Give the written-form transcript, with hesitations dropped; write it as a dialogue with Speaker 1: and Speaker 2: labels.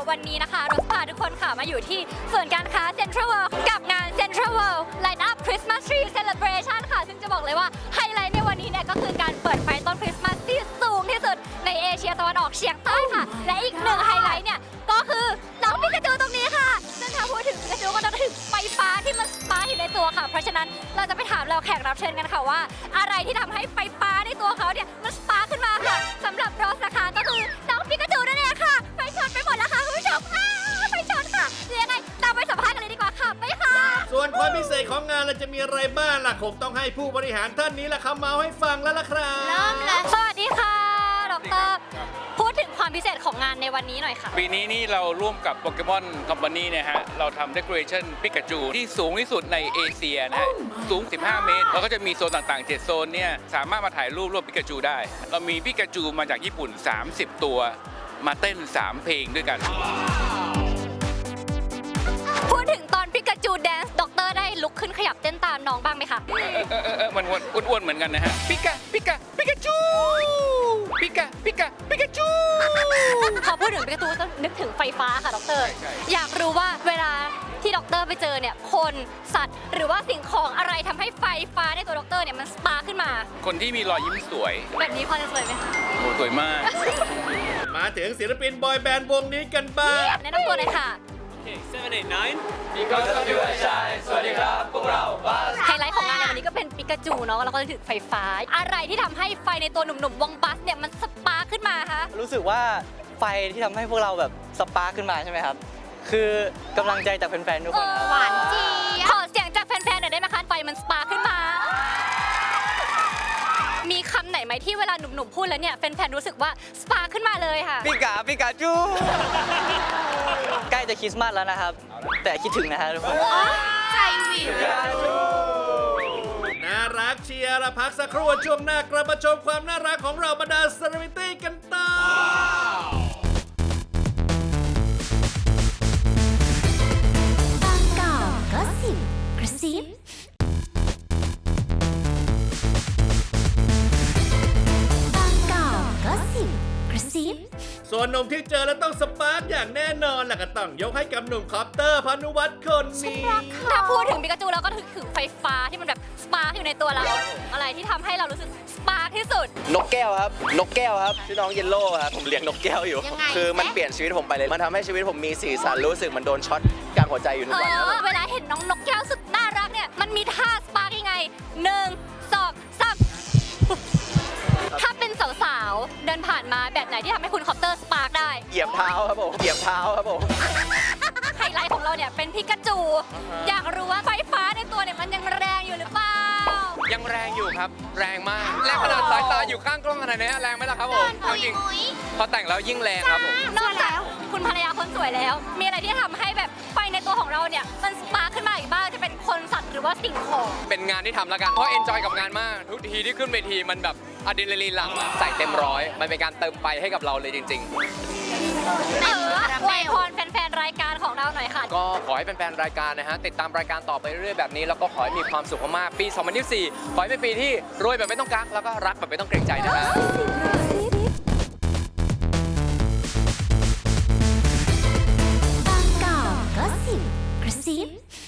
Speaker 1: วันนี้นะคะรถพาทุกคนค่ะมาอยู่ที่ส่วนการค้า Central World กับงาน Central World Light Up Christmas Tree Celebration ค่ะซึ่งจะบอกเลยว่าไฮไลท์ในวันนี้เนี่ยก็คือการเปิดไฟต้นคริสต์มาสที่สูงที่สุดในเอเชียตะวันออกเฉียงใต้ค่ะและอีกหนึ่งไฮไลท์เนี่ยก็คือน้องปิกาจูตรงนี้ค่ะซึ่งถ้าพูดถึงปิกาจูก็ต้องถึงไฟฟ้าที่มันสปาร์คอยู่ในตัวค่ะเพราะฉะนั้นเราจะไปถามเราแขกรับเชิญกันค่ะว่า อะไรที่ทำให้ไฟฟ้าในตัวเขาเนี่ยมันสปาร์คขึ้นมาค่ะสำหรับรอสนะคะก็คือน้องปิกาจูนั่นเองค่ะไฟช็อตไปหมดแล้วค่ะคุณผู้ชมไฟช็อตค่ะเดี๋ยวยังไงตามไปสัมภาษณ์กันเลยดีกว่าค่ะไปค่ะ
Speaker 2: ส่วนความพิเศษของงานเราจะมีอะไรบ้างล่ะคงต้องให้ผู้บริหารท่านนี้ล่ะครับมาให้ฟังแล้วล่ะครับ
Speaker 1: เริ่มเลยสวัสดีค่ะดรพูดถึงความพิเศษของงานในวันนี้หน่อยค่ะ
Speaker 3: ปีนี้นี่เราร่วมกับโปเกมอนคอมพานีนะฮะ เราทำเด o อเรชั่นปิกาจูที่สูงที่สุดในเอเชียนะฮะ สูง 15 เมตร แล้วก็จะมีโซนต่างๆ 7 โซนเนี่ย สามารถมาถ่ายรูปร่วมปิกาจูได้ เรามีปิกาจูมาจากญี่ปุ่น 30 ตัวมาเต้น 3 เพลงด้วยกัน
Speaker 1: พูดถึงตอนปิกาจูแดนซ์ดรได้ลุกขึ้นขยับเต้นตามน้องบ้างไหมคะ
Speaker 3: มันอ้วนๆเหมือนกันนะฮะ ปิกาจูปิกาจู
Speaker 1: พอพูดถึงปิกาจูก็ต้องนึกถึงไฟฟ้าค่ะดร
Speaker 3: ใช่
Speaker 1: อยากรู้ว่าเวลาที่ดรไปเจอเนี่ยคนสัตว์ หรือว่าสิ่งของอะไรทำให้ไฟฟ้าในตัวดรเนี่ยมันสปาร์คขึ้นมา
Speaker 3: คนที่มีรอยยิ้มสวย
Speaker 1: แบบนี้พอจะสวยไหมคะ
Speaker 3: โอ้สวยมาก
Speaker 2: มาถึงศิลปินบอยแบนด์วงนี้กันบ้าง
Speaker 1: แนะนำตัวเลยค่ะ ไฮไลท์ของงานในวันนี้ก็เป็นปิกาจูเนาะแล้วก็ถึงไฟฟ้า อะไรที่ทำให้ไฟในตัวหนุ่มๆวงบัสเนี่ยมันสปาร์คขึ้นมาคะ
Speaker 4: รู้สึกว่าไฟที่ทำให้พวกเราแบบสปาร์คขึ้นมาใช่ไหมครับ คือกำลังใจจากแฟนๆทุกคนครับ
Speaker 1: หวานเจี๊ยบขอเสียงจากแฟนๆหน่อยได้ไหมคะไฟมันสปาร์คขึ้นมา มีคำไหนไหมที่เวลาหนุ่มๆพูดแล้วเนี่ยแฟนๆรู้สึกว่าสปาร์คขึ้นมาเลยค่ะ
Speaker 4: ปิกาจู ใกล้จะคริสต์มาสแล้วนะครับ แต่คิดถึงนะฮะทุกคน
Speaker 1: ใจวิว
Speaker 2: น่ารักเชียร์ละพักสักครู่ช่วงหน้ากลับมาชมความน่ารักของเราบรรดาเซเลบริตี้กันต่อ
Speaker 5: บางกอกก็สิบกระซิบางกอกก็สิบกระซิบ
Speaker 2: ส่วนหนุ่มที่เจอแล้วต้องสปาร์กอย่างแน่นอนล่ะก็ต้องยกให้กับหนุ่มคอปเตอร์พานุวัฒน์คนนี้
Speaker 1: ถ้าพูดถึงปิกาจูเราก็ถึงไฟฟ้าที่มันแบบสปาร์คอยู่ในตัวเรา อะไรที่ทำให้เรารู้สึกสปาร์คที่สุด
Speaker 6: นกแก้วครับ นกแก้วครับชื่อน้องเยลโล่ครับ ผมเลี้ยงนกแก้วอยู่
Speaker 1: ยังไง
Speaker 6: คือมันเปลี่ยนชีวิตผมไปเลย มันทำให้ชีวิตผมมีสีสันรู้สึกมันโดนช็อตกลางหัวใจอยู่ทุกวันครับผม
Speaker 1: เวลาเห็นน้องนกแก้วสุดน่ารักเนี่ย มันมีท่าสปาร์กยังไง1 2 3ถ้าเป็นสาวๆ เดินผ่านมาแบบไหนที่ทำให้คุณคอปเตอร์สปาร์กได้
Speaker 6: เหยียบเท้าครับผม เหยียบเท้าครับผม
Speaker 1: ไฮไลท์ของเราเนี่ยเป็นพิกาจู อยากรู้ว่าไฟฟ้าในตัวเนี่ยมันยังแรงอยู่หรือเปล่า
Speaker 7: ยังแรงอยู่ครับ แรงมาก แรงขนาดสายตาอยู่ข้างกล้องขนาดนี้แรงไหมล่ะครับผมเอาจริงพอแต่งแล้วยิ่งแรงครับผม
Speaker 1: นอกจากคุณภรรยาคนสวยแล้ว มีอะไรที่ทำให้แบบไฟในตัวของเราเนี่ยมันสปาร์คขึ้นมาอีกบ้างจะเป็นคนสัตว์หรือว่าสิ่งของ
Speaker 7: เป็นงานที่ทำแล้วกัน เพราะเอนจอยกับงานมาก ทุกทีที่ขึ้นเวทีมันแบบอะดรีนาลีนหลั่งอะใส่เต็มร้อย มันเป็นการเติมไฟให้กับเราเลยจริง
Speaker 1: อวยพรแฟนๆ รายการของเราหน่อยค่ะ
Speaker 7: ๆ ก็ขอให้แฟนๆรายการนะฮะติดตามรายการต่อไปเรื่อยๆแบบนี้ แล้วก็ขอให้มีความสุขมากๆปี 2024 ขอให้เป็นปีที่รวยแบบไม่ต้องกักแล้วก็รักแบบไม่ต้องเกรงใจนะฮะ
Speaker 5: บางกอกก็สิบกระซิบ